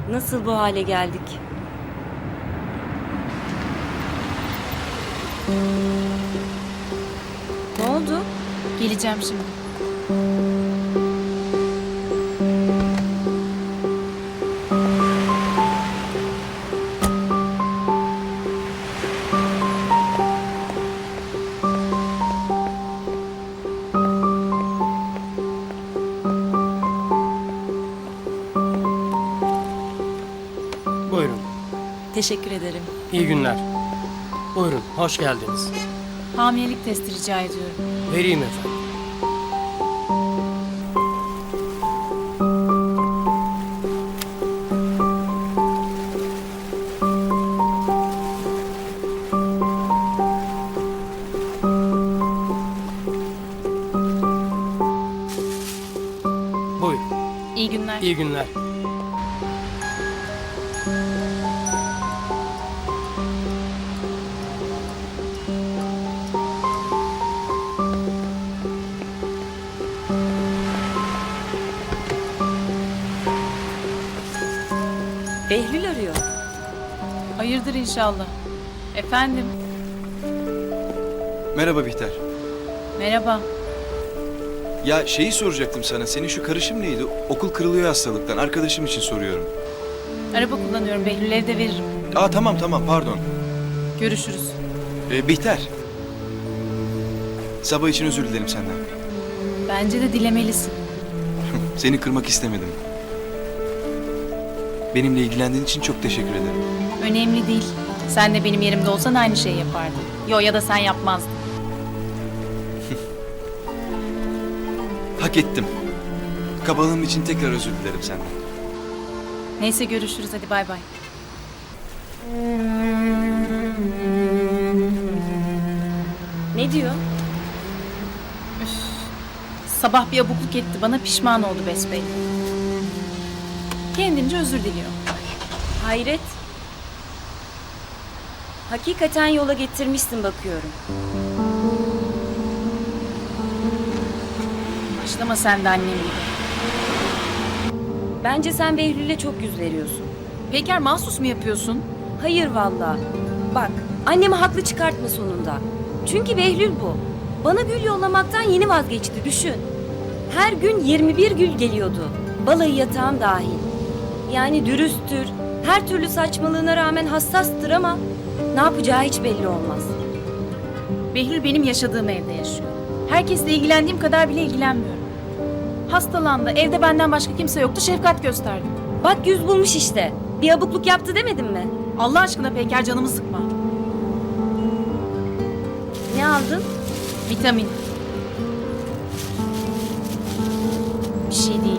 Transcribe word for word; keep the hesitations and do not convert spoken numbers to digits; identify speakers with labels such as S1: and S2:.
S1: Nasıl bu hale geldik? Ne oldu?
S2: Geleceğim şimdi.
S3: Buyurun.
S1: Teşekkür ederim.
S3: İyi günler. Buyurun. Hoş geldiniz.
S2: Hamilelik testi rica ediyorum.
S3: Vereyim efendim. Buyurun.
S2: İyi günler.
S3: İyi günler.
S1: Behlül arıyor.
S2: Hayırdır inşallah. Efendim.
S4: Merhaba Bihter.
S2: Merhaba.
S4: Ya şeyi soracaktım sana. Senin şu karışım neydi? Okul kırılıyor hastalıktan. Arkadaşım için soruyorum.
S2: Araba kullanıyorum. Behlül'e de veririm.
S4: Aa tamam tamam pardon.
S2: Görüşürüz.
S4: Ee, Bihter. Sabah için özür dilerim senden.
S2: Bence de dilemelisin.
S4: Seni kırmak istemedim. Benimle ilgilendiğin için çok teşekkür ederim.
S2: Önemli değil. Sen de benim yerimde olsan aynı şeyi yapardın. Yo, ya da sen yapmazdın.
S4: Hak ettim. Kabalığım için tekrar özür dilerim senden.
S2: Neyse, görüşürüz, hadi bay bay.
S1: Ne diyor?
S2: Sabah bir abukluk etti bana, pişman oldu besbelli. Kendince özür diliyor.
S1: Hayret. Hakikaten yola getirmişsin bakıyorum.
S2: Başlama sen de annem gibi.
S1: Bence sen Behlül'e çok yüz veriyorsun.
S2: Peker, mahsus mu yapıyorsun?
S1: Hayır vallahi. Bak, annemi haklı çıkartma sonunda. Çünkü Behlül bu. Bana gül yollamaktan yeni vazgeçti, düşün. Her gün yirmi bir gül geliyordu. Balayı yatağım dahil. Yani dürüsttür, her türlü saçmalığına rağmen hassastır ama ne yapacağı hiç belli olmaz.
S2: Behlül benim yaşadığım evde yaşıyor. Herkesle ilgilendiğim kadar bile ilgilenmiyorum. Hastalandı, evde benden başka kimse yoktu, şefkat gösterdim.
S1: Bak yüz bulmuş işte. Bir abukluk yaptı demedim mi?
S2: Allah aşkına Peker, canımı sıkma.
S1: Ne aldın?
S2: Vitamin. Bir şey değil.